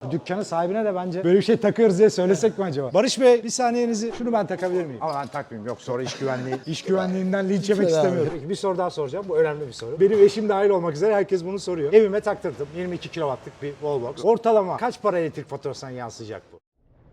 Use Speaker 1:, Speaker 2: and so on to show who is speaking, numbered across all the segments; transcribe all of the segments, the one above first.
Speaker 1: Dükkanın sahibine de bence böyle bir şey takıyoruz diye söylesek mi acaba? Barış Bey, bir saniyenizi, şunu ben takabilir miyim? Ama ben takmayayım, yok sonra iş güvenliğinden linç yemek istemiyorum. Peki, bir soru daha soracağım, bu önemli bir soru. Benim eşim dahil olmak üzere herkes bunu soruyor. Evime taktırdım, 22 kW'lık bir wallbox. Ortalama kaç para elektrik faturasına yansıyacak bu?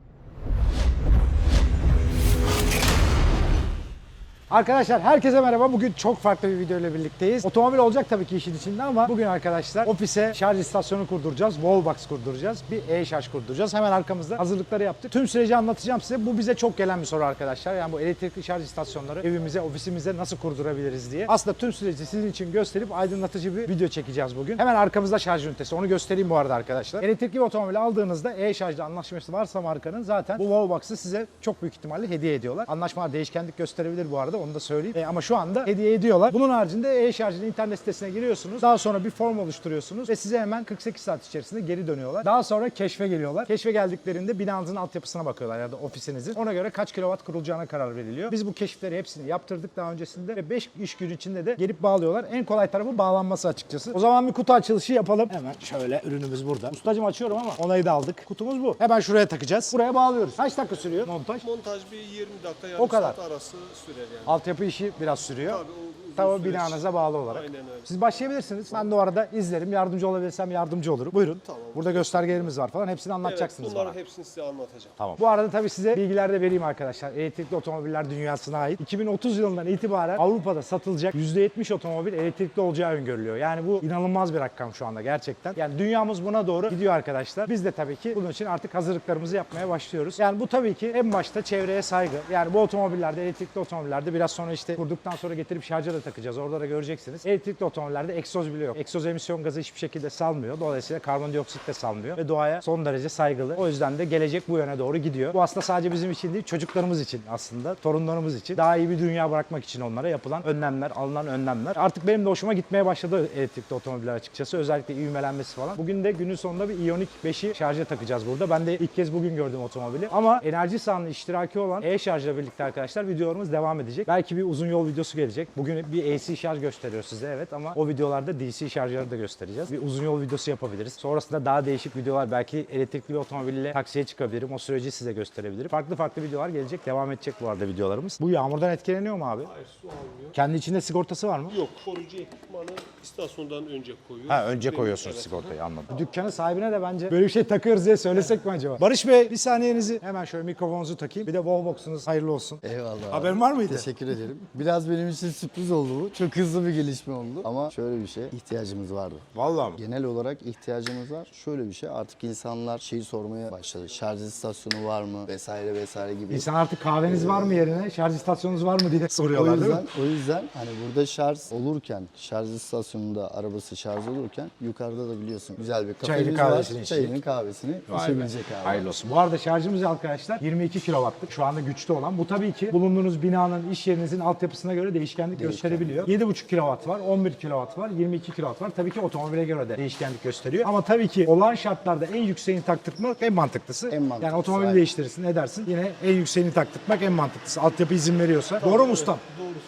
Speaker 1: Arkadaşlar herkese merhaba. Bugün çok farklı bir video ile birlikteyiz. Otomobil olacak tabii ki işin içinde ama bugün arkadaşlar ofise şarj istasyonu kurduracağız. Wallbox kurduracağız. Bir e-şarj kurduracağız. Hemen arkamızda hazırlıkları yaptık. Tüm süreci anlatacağım size. Bu bize çok gelen bir soru arkadaşlar. Yani bu elektrikli şarj istasyonları evimize, ofisimize nasıl kurdurabiliriz diye. Aslında tüm süreci sizin için gösterip aydınlatıcı bir video çekeceğiz bugün. Hemen arkamızda şarj ünitesi. Onu göstereyim bu arada arkadaşlar. Elektrikli bir otomobil aldığınızda e-şarjla anlaşması varsa markanın zaten bu Wallbox'ı size çok büyük ihtimalle hediye ediyorlar. Anlaşmalar değişkenlik gösterebilir bu arada. Onu da söyleyeyim. Ama şu anda hediye ediyorlar. Bunun haricinde e-şarjın internet sitesine giriyorsunuz. Daha sonra bir form oluşturuyorsunuz ve size hemen 48 saat içerisinde geri dönüyorlar. Daha sonra keşfe geliyorlar. Keşfe geldiklerinde binanızın altyapısına bakıyorlar ya da ofisinizin. Ona göre kaç kilowatt kurulacağına karar veriliyor. Biz bu keşifleri hepsini yaptırdık daha öncesinde ve 5 iş günü içinde de gelip bağlıyorlar. En kolay tarafı bağlanması açıkçası. O zaman bir kutu açılışı yapalım. Hemen şöyle, ürünümüz burada. Ustacığım açıyorum ama onayı da aldık. Kutumuz bu. Hemen şuraya takacağız. Buraya bağlıyoruz. Kaç dakika sürüyor montaj?
Speaker 2: Montaj bir 20 dakika, yarım
Speaker 1: O kadar
Speaker 2: saat arası sürer yani.
Speaker 1: Altyapı işi biraz sürüyor. Tabii binanıza bağlı olarak.
Speaker 2: Aynen öyle.
Speaker 1: Siz başlayabilirsiniz. Ben de o arada izlerim. Yardımcı olabilirsem yardımcı olurum. Buyurun.
Speaker 2: Tamam.
Speaker 1: Burada göstergelerimiz var falan. Hepsini anlatacaksınız
Speaker 2: Evet, bunların
Speaker 1: bana.
Speaker 2: hepsini size anlatacağım.
Speaker 1: Tamam. Bu arada tabii size bilgiler de vereyim arkadaşlar. Elektrikli otomobiller dünyasına ait. 2030 yılından itibaren Avrupa'da satılacak %70 otomobil elektrikli olacağı öngörülüyor. Yani bu inanılmaz bir rakam şu anda gerçekten. Yani dünyamız buna doğru gidiyor arkadaşlar. Biz de tabii ki bunun için artık hazırlıklarımızı yapmaya başlıyoruz. Yani bu tabii ki en başta çevreye saygı. Yani bu otomobillerde, elektrikli otomobillerde biraz sonra işte kurduktan sonra getirip şarja da takacağız. Orada da göreceksiniz. Elektrikli otomobillerde egzoz bile yok. Egzoz emisyon gazı hiçbir şekilde salmıyor. Dolayısıyla karbondioksit de salmıyor ve doğaya son derece saygılı. O yüzden de gelecek bu yöne doğru gidiyor. Bu aslında sadece bizim için değil, çocuklarımız için aslında, torunlarımız için. Daha iyi bir dünya bırakmak için onlara yapılan önlemler, alınan önlemler. Artık benim de hoşuma gitmeye başladı elektrikli otomobiller açıkçası. Özellikle ivmelenmesi falan. Bugün de günün sonunda bir Ioniq 5'i şarja takacağız burada. Ben de ilk kez bugün gördüm otomobili. Ama enerji sahanın iştiraki olan e-şarjla birlikte arkadaşlar videolarımız devam edecek. Belki bir uzun yol videosu gelecek. Bugün bir AC şarj gösteriyor size, evet, ama o videolarda DC şarjları da göstereceğiz. Bir uzun yol videosu yapabiliriz. Sonrasında daha değişik videolar, belki elektrikli bir otomobille taksiye çıkabilirim. O süreci size gösterebilirim. Farklı videolar gelecek. Devam edecek bu arada videolarımız. Bu yağmurdan etkileniyor mu abi?
Speaker 2: Hayır, su almıyor.
Speaker 1: Kendi içinde sigortası var mı?
Speaker 2: Yok, koruyucu ekipmanı istasyondan önce koyuyoruz.
Speaker 1: Ha, önce koyuyorsunuz
Speaker 2: Evet.
Speaker 1: sigortayı, anladım. Dükkanın sahibine de bence böyle bir şey takıyoruz diye söylesek mi acaba? Barış Bey, bir saniyenizi, hemen şöyle mikrofonunuzu takayım. Bir de wallbox'unuz hayırlı olsun.
Speaker 3: Eyvallah.
Speaker 1: Haberin var mıydı?
Speaker 3: Teşekkür ederim. Biraz benim için sürpriz oldu bu. Çok hızlı bir gelişme oldu. Ama şöyle bir şey, ihtiyacımız vardı.
Speaker 1: Vallahi mi?
Speaker 3: Genel olarak ihtiyacımız var. Şöyle bir şey, artık insanlar şeyi sormaya başladı. Şarj istasyonu var mı? Vesaire vesaire gibi.
Speaker 1: İnsan artık kahveniz var mı yerine, şarj istasyonunuz var mı diye
Speaker 3: O
Speaker 1: soruyorlar değil mi?
Speaker 3: yüzden hani burada şarj olurken, şarj istasyonunda arabası şarj olurken yukarıda da biliyorsun güzel bir
Speaker 1: Çayını,
Speaker 3: kafemiz var.
Speaker 1: kahvesini içecek.
Speaker 3: Çayını kahvesini içebilecek abi.
Speaker 1: Hayırlı olsun. Bu arada şarjımız arkadaşlar 22 kW'lık. Şu anda güçlü olan. Bu tabii ki bulunduğunuz binanın, iş yerinizin altyapısına göre değişkenlik gösterebiliyor. 7,5 kW var, 11 kW var, 22 kW var. Tabii ki otomobile göre de değişkenlik gösteriyor. Ama tabii ki olan şartlarda en yükseğini taktırmak en mantıklısı.
Speaker 3: En mantıklısı,
Speaker 1: Yani otomobili
Speaker 3: aynen.
Speaker 1: değiştirirsin, edersin. Yine en yükseğini taktırmak en mantıklısı. Altyapı izin veriyorsa. Doğru mu ustam?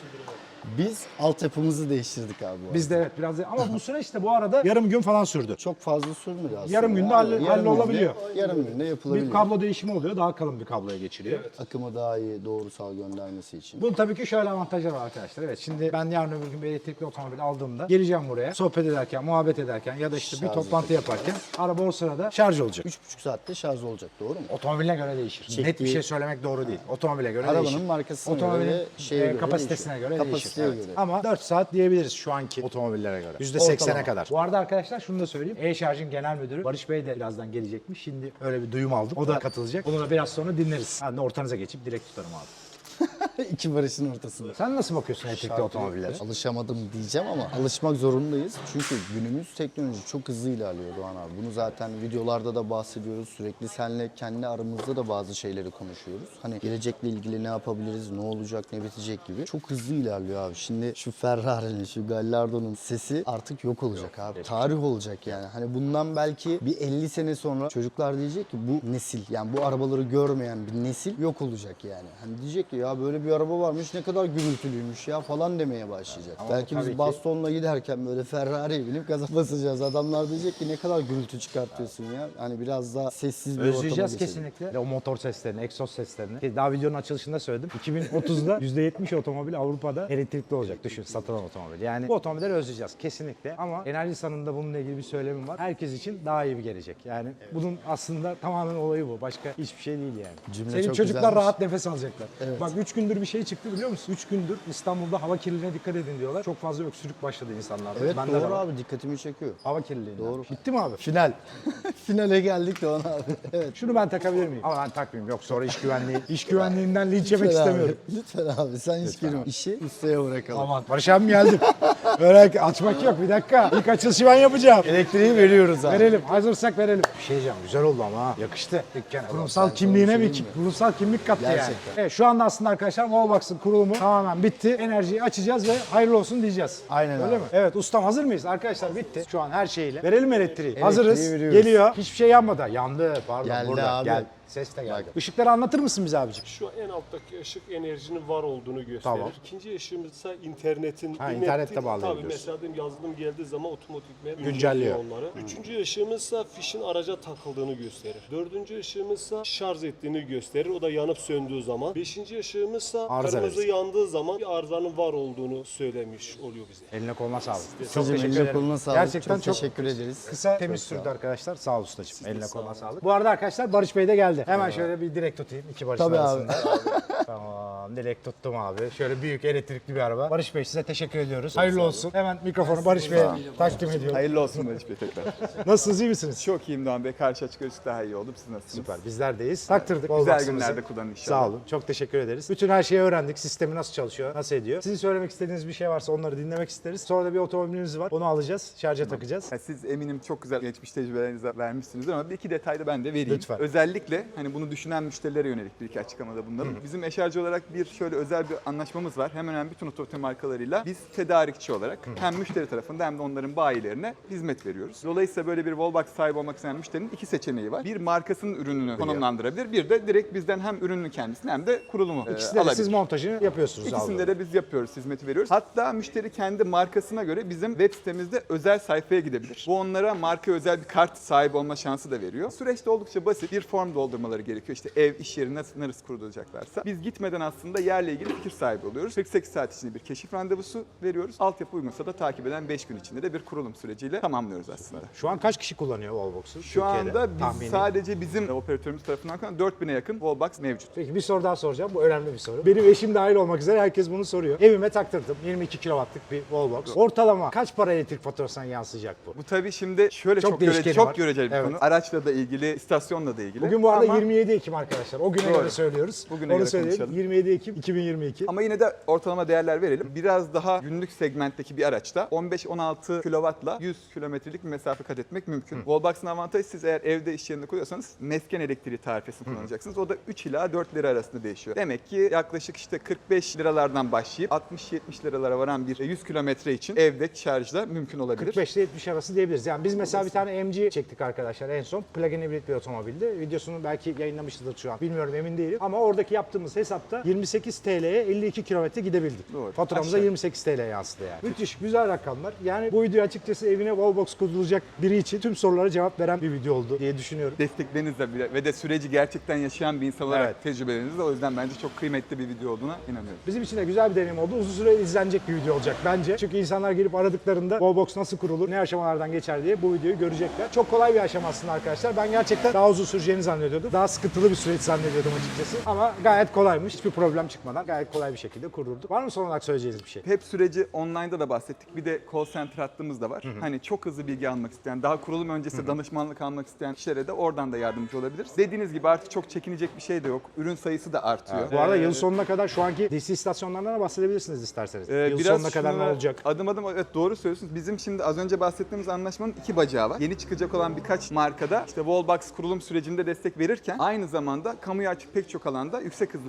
Speaker 3: Biz altyapımızı değiştirdik abi. bu
Speaker 1: Biz de evet biraz ama bu süreç de bu arada yarım gün falan sürdü.
Speaker 3: Çok fazla sürmedi aslında.
Speaker 1: Yarım günde
Speaker 3: Yarım
Speaker 1: hallolabiliyor.
Speaker 3: Yarım günde yapılabiliyor.
Speaker 1: Bir kablo değişimi oluyor. Daha kalın bir kabloya geçiriyor.
Speaker 3: Akımı daha iyi doğrusal göndermesi için.
Speaker 1: Bunun tabii ki şöyle avantajları var arkadaşlar. Evet, şimdi ben yarın öbür gün bir elektrikli otomobil aldığımda geleceğim buraya. Sohbet ederken, muhabbet ederken ya da işte bir
Speaker 3: Şarj
Speaker 1: toplantı yaparken araba o sırada şarj olacak.
Speaker 3: 3,5 saatte şarj olacak, doğru mu?
Speaker 1: Otomobiline göre değişir. Net bir
Speaker 3: Çektiği-
Speaker 1: şey söylemek doğru değil. Otomobile göre
Speaker 3: Arabanın
Speaker 1: değişir.
Speaker 3: markasına
Speaker 1: Otomobilin
Speaker 3: göre, şeye göre
Speaker 1: kapasitesine
Speaker 3: değişiyor.
Speaker 1: göre değişir.
Speaker 3: Kapasiteye
Speaker 1: Evet.
Speaker 3: göre.
Speaker 1: Ama 4 saat diyebiliriz şu anki otomobillere göre. %80'e
Speaker 3: Ortalama.
Speaker 1: kadar. Bu arada arkadaşlar şunu da söyleyeyim. E-Şarj'ın genel müdürü Barış Bey de birazdan gelecekmiş. Şimdi öyle bir duyum aldım. O da katılacak. Onu da biraz sonra dinleriz. Ben de ortanıza geçip direkt tutarım abi.
Speaker 3: İki barışın ortasında.
Speaker 1: Sen nasıl bakıyorsun elektrikli otomobillere?
Speaker 3: Alışamadım diyeceğim ama alışmak zorundayız. Çünkü günümüz teknoloji çok hızlı ilerliyor Doğan abi. Bunu zaten videolarda da bahsediyoruz. Sürekli seninle kendi aramızda da bazı şeyleri konuşuyoruz. Hani gelecekle ilgili ne yapabiliriz, ne olacak, ne bitecek gibi. Çok hızlı ilerliyor abi. Şimdi şu Ferrari'nin, şu Gallardo'nun sesi artık yok olacak abi. Tarih olacak yani. Hani bundan belki bir 50 sene sonra çocuklar diyecek ki bu nesil, yani bu arabaları görmeyen bir nesil yok olacak yani. Hani diyecek ki ya böyle bir bir araba varmış, ne kadar gürültülüymüş ya falan demeye başlayacak.
Speaker 1: Ama
Speaker 3: Belki
Speaker 1: tabii
Speaker 3: biz
Speaker 1: ki-
Speaker 3: bastonla giderken böyle Ferrari'ye binip gaza basacağız. Adamlar diyecek ki ne kadar gürültü çıkartıyorsun ya. Hani biraz daha sessiz bir ortama
Speaker 1: Özleyeceğiz
Speaker 3: geçelim.
Speaker 1: kesinlikle. O motor seslerini, egzoz seslerini. Daha videonun açılışında söyledim. 2030'da %70 otomobil Avrupa'da elektrikli olacak. Düşün, satılan otomobil. Yani bu otomobilleri özleyeceğiz kesinlikle. Ama Enerjisa'nın da bununla ilgili bir söylemim var. Herkes için daha iyi bir gelecek. Yani bunun aslında tamamen olayı bu. Başka hiçbir şey değil yani.
Speaker 3: Cümle
Speaker 1: Senin
Speaker 3: çok
Speaker 1: çocuklar
Speaker 3: güzelmiş.
Speaker 1: rahat nefes alacaklar.
Speaker 3: Evet.
Speaker 1: Bak 3 gündür bir şey çıktı biliyor musun? 3 gündür İstanbul'da hava kirliliğine dikkat edin diyorlar. Çok fazla öksürük başladı insanlarda.
Speaker 3: Evet
Speaker 1: Bende de
Speaker 3: doğru
Speaker 1: var.
Speaker 3: abi, dikkatimi çekiyor.
Speaker 1: Hava kirliliği.
Speaker 3: Doğru.
Speaker 1: Bitti mi abi?
Speaker 3: Final. Finale geldik Doğan abi. Evet.
Speaker 1: Şunu ben takabilir miyim? Ama ben takmayayım. Yok sonra iş güvenliğinden linç yemek
Speaker 3: Lütfen abi,
Speaker 1: istemiyorum.
Speaker 3: Lütfen abi sen hiç girme. İşi ustaya bırakalım.
Speaker 1: Aman Barış abim geldim. Öyle açmak yok, bir dakika. İlk açılışı ben yapacağım.
Speaker 3: Elektriği veriyoruz abi.
Speaker 1: Verelim, hazırsak verelim. Bir şey diyeceğim, güzel oldu ama ha. Yakıştı dükkana. Kurumsal
Speaker 3: sen
Speaker 1: kimliğine
Speaker 3: sana bir
Speaker 1: bir
Speaker 3: şey diyeyim
Speaker 1: kurumsal kimlik kattı yani.
Speaker 3: Gerçekten.
Speaker 1: Evet, şu anda aslında arkadaşlar Wallbox'ın kurulumu tamamen bitti. Enerjiyi açacağız ve hayırlı olsun diyeceğiz.
Speaker 3: Aynen
Speaker 1: Öyle
Speaker 3: abi.
Speaker 1: mi? Evet ustam, hazır mıyız? Arkadaşlar bitti. Şu an her şeyle. Verelim elektriği. Hazırız.
Speaker 3: veriyoruz.
Speaker 1: Geliyor. Hiçbir şey yanmadı. Yandı. Pardon
Speaker 3: Geldi
Speaker 1: burada.
Speaker 3: abi.
Speaker 1: Gel. Ses de geldi. Işıkları anlatır mısın bize abicim?
Speaker 2: Şu en alttaki ışık enerjinin var olduğunu gösterir.
Speaker 1: Tamam.
Speaker 2: İkinci ışığımız ise internetin.
Speaker 1: Ha, internette
Speaker 2: Tabii
Speaker 1: bağlayabiliyorsun.
Speaker 2: mesela diyelim yazılım geldiği zaman otomatikman
Speaker 1: Güncelliyor.
Speaker 2: onları. Üçüncü ışığımız ise fişin araca takıldığını gösterir. Dördüncü ışığımız ise şarj ettiğini gösterir. O da yanıp söndüğü zaman. Beşinci ışığımız ise
Speaker 1: Arıza
Speaker 2: kırmızı
Speaker 1: verir.
Speaker 2: yandığı zaman bir arızanın var olduğunu söylemiş oluyor bize.
Speaker 1: Eline koluna sağlık. Çok
Speaker 3: Ustacığım,
Speaker 1: teşekkür
Speaker 3: eline
Speaker 1: ederim.
Speaker 3: koluna sağlık.
Speaker 1: Gerçekten çok
Speaker 3: teşekkür ederiz.
Speaker 1: kısa, temiz sürdü arkadaşlar. Sağ ol ustacığım. Eline koluna sağlık. Bu arada arkadaşlar Barış Bey de geldi. Hemen şöyle bir direkt tutayım iki Barış'ın
Speaker 3: Tabii abi.
Speaker 1: arasında. Tamam, direkt tuttum abi. Şöyle büyük elektrikli bir araba. Barış Bey size teşekkür ediyoruz. Hayırlı olsun. Hemen mikrofonu Barış Bey'e takdim ediyorum.
Speaker 4: Hayırlı olsun Barış Bey tekrar.
Speaker 1: Nasılsınız, iyi misiniz?
Speaker 4: Çok iyiyim Doğan Bey. Karşı açık görüşü daha iyi oldum. Siz nasılsınız?
Speaker 1: Süper. Bizler deyiz. Taktırdık.
Speaker 4: Güzel
Speaker 1: Wallbox'ımızı.
Speaker 4: günlerde kullanın inşallah.
Speaker 1: Sağ olun. Çok teşekkür ederiz. Bütün her şeyi öğrendik. Sistemi nasıl çalışıyor, nasıl ediyor. Sizin söylemek istediğiniz bir şey varsa onları dinlemek isteriz. Sonra da bir otomobilimiz var. Onu alacağız. Şarja takacağız.
Speaker 4: Ya siz eminim çok güzel geçmiş tecrübelerinizi vermişsinizdir ama bir iki detay da ben de vereyim.
Speaker 1: Lütfen.
Speaker 4: Özellikle hani bunu düşünen müşterilere yönelik bir iki açıklamada bulunalım. Bizim eşarcı olarak bir şöyle özel bir anlaşmamız var. Hemen hemen bütün otomotiv markalarıyla biz tedarikçi olarak hem müşteri tarafında hem de onların bayilerine hizmet veriyoruz. Dolayısıyla böyle bir Wallbox sahibi olmak isteyen müşterinin iki seçeneği var. Bir markasının ürününü konumlandırabilir. Bir de direkt bizden hem ürünün kendisini hem de kurulumu
Speaker 1: İkisinde de
Speaker 4: alabilir.
Speaker 1: siz montajını yapıyorsunuz.
Speaker 4: İkisinde de biz yapıyoruz, hizmeti veriyoruz. Hatta müşteri kendi markasına göre bizim web sitemizde özel sayfaya gidebilir. Bu onlara marka özel bir kart sahibi olma şansı da veriyor. Süreçte oldukça basit. Bir form doldurmaları gerekiyor. İşte ev, iş yeri nasıl kurulacaklarsa. Biz gitmeden aslında yerle ilgili fikir sahibi oluyoruz. 48 saat içinde bir keşif randevusu veriyoruz. Altyapı uygunsa da takip eden 5 gün içinde de bir kurulum süreciyle tamamlıyoruz aslında.
Speaker 1: Şu an kaç kişi kullanıyor Wallbox'u?
Speaker 4: Şu anda biz
Speaker 1: tahmini.
Speaker 4: sadece bizim operatörümüz tarafından 4000'e yakın Wallbox mevcut.
Speaker 1: Peki bir soru daha soracağım. Bu önemli bir soru. Benim eşim dahil olmak üzere herkes bunu soruyor. Evime taktırdım. 22 kW'lık bir Wallbox. Ortalama kaç para elektrik faturasına yansıyacak bu?
Speaker 4: Bu tabii şimdi şöyle
Speaker 1: Çok
Speaker 4: çok,
Speaker 1: değişkeni
Speaker 4: çok
Speaker 1: var.
Speaker 4: göreceli bir
Speaker 1: Evet.
Speaker 4: konu. Araçla da ilgili, istasyonla da ilgili.
Speaker 1: Bugün bu arada
Speaker 4: Ama-
Speaker 1: 27 Ekim arkadaşlar. O güne
Speaker 4: Doğru.
Speaker 1: göre söylüyoruz.
Speaker 4: Bugüne
Speaker 1: Onu
Speaker 4: göre
Speaker 1: söyleyelim.
Speaker 4: konuşalım.
Speaker 1: 27 Ekim 2022.
Speaker 4: Ama yine de ortalama değerler verelim. Biraz daha günlük segmentteki bir araçta 15-16 kW'la 100 kilometrelik bir mesafe kat etmek mümkün. Wallbox'ın avantajı siz eğer evde iş yerinde kuruyorsanız mesken elektriği tarifesini kullanacaksınız. O da 3 ila 4 lira arasında değişiyor. Demek ki yaklaşık işte 45 liralardan başlayıp 60-70 liralara varan bir 100 kilometre için evde şarjla mümkün olabilir.
Speaker 1: 45 ile 70 arası diyebiliriz. Yani biz mesela bir tane MG çektik arkadaşlar en son. Plug-in hibrit bir otomobildi. Videosunu belki yayınlamışızdır şu an. Bilmiyorum, emin değilim. Ama oradaki yaptığımız hesapta 28 TL'ye 52 kilometre gidebildik.
Speaker 4: Doğru.
Speaker 1: Faturamıza
Speaker 4: Aşağı.
Speaker 1: 28 TL yansıdı yani. Müthiş, güzel rakamlar. Yani bu video açıkçası evine Wallbox kurulacak biri için tüm sorulara cevap veren bir video oldu diye düşünüyorum.
Speaker 4: Desteklerinizle bile ve de süreci gerçekten yaşayan bir insan olarak
Speaker 1: Evet.
Speaker 4: tecrübelerinizle o yüzden bence çok kıymetli bir video olduğuna inanıyorum.
Speaker 1: Bizim için de güzel bir deneyim oldu. Uzun süre izlenecek bir video olacak bence. Çünkü insanlar gelip aradıklarında Wallbox nasıl kurulur, ne aşamalardan geçer diye bu videoyu görecekler. Çok kolay bir aşama aslında arkadaşlar. Ben gerçekten daha uzun süreceğini zannediyordum. Daha sıkıntılı bir süreç zannediyordum açıkçası. Ama gayet kolaymış. Hiçbir problem çıkmadan gayet kolay bir şekilde kurdurduk. Var mı son olarak söyleyeceğiniz bir şey?
Speaker 4: Hep süreci online'da da bahsettik. Bir de call center hattımız da var. Hani çok hızlı bilgi almak isteyen, daha kurulum öncesi danışmanlık almak isteyen kişilere de oradan da yardımcı olabiliriz. Dediğiniz gibi artık çok çekinecek bir şey de yok. Ürün sayısı da artıyor.
Speaker 1: Bu arada yıl sonuna kadar şu anki DC istasyonlarından da bahsedebilirsiniz isterseniz. Yıl
Speaker 4: Biraz
Speaker 1: sonuna kadar ne
Speaker 4: şunlara
Speaker 1: olacak?
Speaker 4: Adım adım evet doğru söylüyorsunuz. Bizim şimdi az önce bahsettiğimiz anlaşmanın iki bacağı var. Yeni çıkacak olan birkaç markada işte Wallbox kurulum sürecinde destek verirken aynı zamanda kamuya açık pek çok alanda yüksek hızlı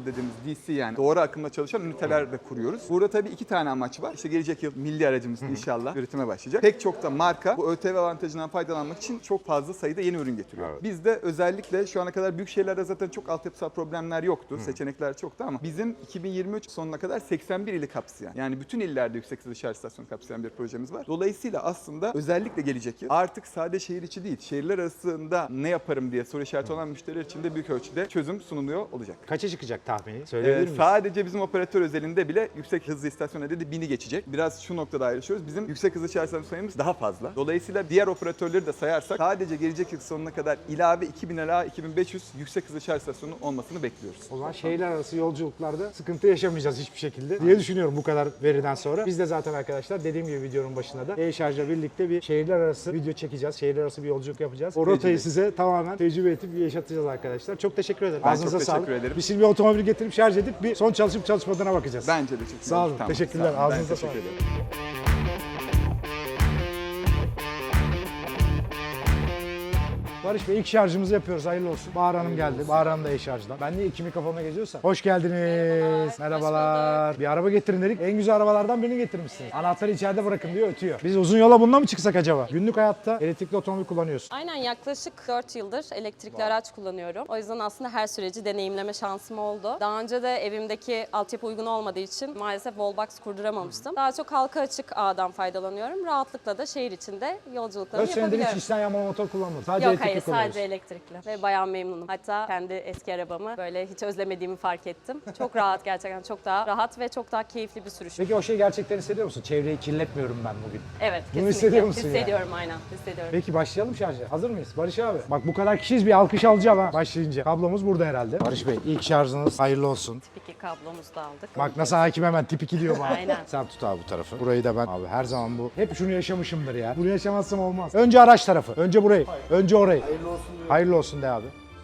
Speaker 4: dediğimiz DC yani doğru akımda çalışan üniteler de kuruyoruz. Burada tabii 2 tane amaç var. İşte gelecek yıl milli aracımız inşallah üretime başlayacak. Pek çok da marka bu ÖTV avantajından faydalanmak için çok fazla sayıda yeni ürün getiriyor.
Speaker 5: Evet.
Speaker 4: Biz de özellikle şu ana kadar büyük şehirlerde zaten çok altyapısal problemler yoktu. Seçenekler çoktu ama bizim 2023 sonuna kadar 81 ili kapsayan, yani bütün illerde yüksek hızlı şarj istasyonu kapsayan bir projemiz var. Dolayısıyla aslında özellikle gelecek yıl artık sadece şehir içi değil, şehirler arasında ne yaparım diye soru işareti olan müşteriler için de büyük ölçüde çözüm sunuluyor olacak.
Speaker 1: Kaça çıkacak tahmini? Söyleyebilir miyiz?
Speaker 4: Sadece bizim operatör özelinde bile yüksek hızlı istasyon adedi 1000'i geçecek. Biraz şu noktada ayrışıyoruz. Bizim yüksek hızlı şarj istasyonu sayımız daha fazla. Dolayısıyla diğer operatörleri de sayarsak sadece gelecek yıl sonuna kadar ilave 2000 ila 2500 yüksek hızlı şarj istasyonu olmasını bekliyoruz.
Speaker 1: O zaman şehirler arası yolculuklarda sıkıntı yaşamayacağız hiçbir şekilde diye düşünüyorum bu kadar veriden sonra. Biz de zaten arkadaşlar dediğim gibi videonun başında da e-şarjla birlikte bir şehirler arası video çekeceğiz. Şehirler arası bir yolculuk yapacağız. O rotayı size tamamen tecrübe edip yaşatacağız arkadaşlar. Çok teşekkür ederim.
Speaker 4: Ben
Speaker 1: Ağzınıza
Speaker 4: çok
Speaker 1: sağlık.
Speaker 4: teşekkür ederim.
Speaker 1: Biz şimdi bir otomobil getirip şarj edip bir son çalışıp çalışmadığına bakacağız.
Speaker 4: Bence de çok iyi.
Speaker 1: Sağ olun.
Speaker 4: Tamam,
Speaker 1: Teşekkürler.
Speaker 4: sağ olun. Ben
Speaker 1: Ağzınıza
Speaker 4: teşekkür
Speaker 1: sağlık.
Speaker 4: ederim.
Speaker 1: Barış Bey ilk şarjımızı yapıyoruz. Hayırlı olsun. Bahar Hanım geldi. Bahar Hanım da e-şarjdan. Ben niye iki mikrofona geziyorsam. Hoş geldiniz. Merhabalar. Bir araba getirin dedik. En güzel arabalardan birini getirmişsiniz. Anahtarı içeride bırakın diyor, ötüyor. Biz uzun yola bununla mı çıksak acaba? Günlük hayatta elektrikli otomobil kullanıyorsun.
Speaker 6: Aynen, yaklaşık 4 yıldır elektrikli araç kullanıyorum. O yüzden aslında her süreci deneyimleme şansım oldu. Daha önce de evimdeki altyapı uygun olmadığı için maalesef wallbox kurduramamıştım. Daha çok halka açık ağdan faydalanıyorum. Rahatlıkla da şehir içinde
Speaker 1: 4
Speaker 6: yolculuklarımı
Speaker 1: senedir hiç
Speaker 6: yapabiliyorum.
Speaker 1: içten yanmalı motor kullanmadın. Sadece
Speaker 6: Yok,
Speaker 1: elektrikli
Speaker 6: hayır,
Speaker 1: kullanıyorsun.
Speaker 6: sadece elektrikli ve bayağı memnunum. Hatta kendi eski arabamı böyle hiç özlemediğimi fark ettim. Çok rahat, gerçekten çok daha rahat ve çok daha keyifli bir sürüş.
Speaker 1: Peki o şeyi gerçekten hissediyor musun? Çevreyi kirletmiyorum ben bugün.
Speaker 6: Evet,
Speaker 1: Bunu
Speaker 6: kesinlikle.
Speaker 1: hissediyor musun yani?
Speaker 6: Hissediyorum, aynen. Hissediyorum.
Speaker 1: Peki başlayalım şarja. Hazır mıyız? Barış abi. Bak bu kadar kişiyiz, bir alkış alacağım ha başlayınca. Kablomuz burada herhalde. Barış Bey ilk şarjınız hayırlı olsun.
Speaker 6: Tip 2 kablomuzu da aldık.
Speaker 1: Bak nasıl hakim hemen tip 2 diyor bana.
Speaker 6: Aynen.
Speaker 1: Sen tut abi bu tarafı. Burayı da ben abi her zaman bu. Hep şunu yaşamışımdır ya. Bunu yaşamazsam olmaz. Önce araç tarafı. Önce burayı. Önce orayı. Hayırlı olsun de abi.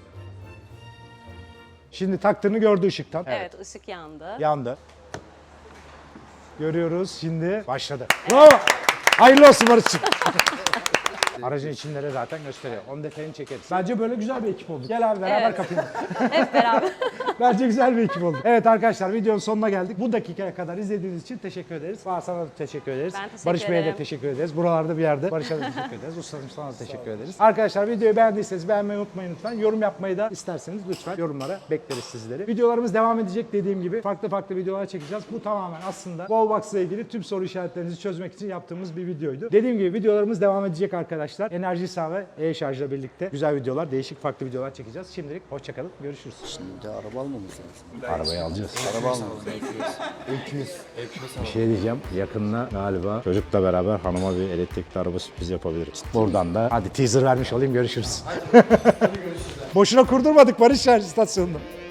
Speaker 1: Şimdi taktığını gördü ışıktan.
Speaker 6: Evet, ışık yandı.
Speaker 1: Yandı. Görüyoruz şimdi. Başladı. Bravo. Hayırlı olsun Barış'cığım. Aracın içinleri zaten gösteriyor. Onun detayını çekeriz. Bence böyle güzel bir ekip olduk. Gel abi beraber
Speaker 6: Evet.
Speaker 1: kapayalım.
Speaker 6: Hep beraber.
Speaker 1: Bence güzel bir ekip olduk. Evet arkadaşlar videonun sonuna geldik. Bu dakikaya kadar izlediğiniz için teşekkür ederiz. Bahar sana da teşekkür ederiz.
Speaker 6: Ben teşekkür
Speaker 1: Barış Bey'e de
Speaker 6: ederim.
Speaker 1: teşekkür ederiz. Buralarda bir yerde Barış'a da teşekkür ederiz. Ustacığım sana da teşekkür ederiz. Arkadaşlar videoyu beğendiyseniz beğenmeyi unutmayın lütfen. Yorum yapmayı da isterseniz lütfen yorumlara bekleriz sizleri. Videolarımız devam edecek dediğim gibi. Farklı videolar çekeceğiz. Bu tamamen aslında Wallbox ile ilgili tüm soru işaretlerinizi çözmek için yaptığımız bir videoydu. Dediğim gibi videolarımız devam edecek arkadaşlar. Enerji sağ ve e-şarjla birlikte güzel videolar, değişik farklı videolar çekeceğiz. Şimdilik hoşçakalın. Görüşürüz.
Speaker 3: Şimdi araba almamız lazım.
Speaker 1: Arabayı alacağız.
Speaker 3: Araba almamız lazım.
Speaker 1: Bir şey diyeceğim. Yakında galiba çocukla beraber hanıma bir elektrikli araba sürprizi yapabiliriz. Buradan da hadi teaser vermiş olayım. Görüşürüz. Boşuna kurdurmadık Barış Şarj istasyonunu.